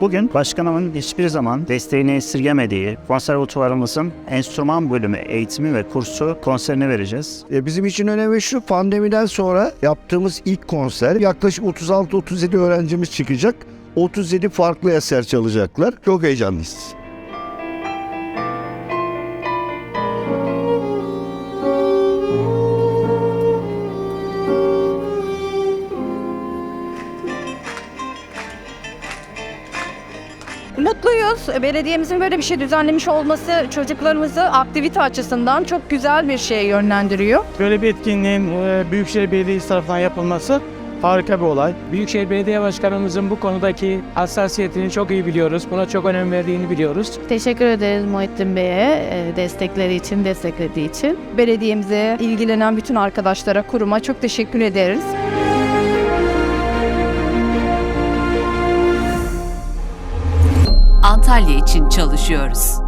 Bugün başkanımın hiçbir zaman desteğini esirgemediği konservatuvarımızın enstrüman bölümü eğitimi ve kursu konserini vereceğiz. Bizim için önemli şu, pandemiden sonra yaptığımız ilk konser. Yaklaşık 36-37 öğrencimiz çıkacak. 37 farklı eser çalacaklar. Çok heyecanlıyız. Mutluyuz. Belediyemizin böyle bir şey düzenlemiş olması çocuklarımızı aktivite açısından çok güzel bir şeye yönlendiriyor. Böyle bir etkinliğin Büyükşehir Belediyesi tarafından yapılması harika bir olay. Büyükşehir Belediye Başkanımızın bu konudaki hassasiyetini çok iyi biliyoruz. Buna çok önem verdiğini biliyoruz. Teşekkür ederiz Muhittin Bey'e desteklediği için. Belediyemize, ilgilenen bütün arkadaşlara, kuruma çok teşekkür ederiz. Antalya için çalışıyoruz.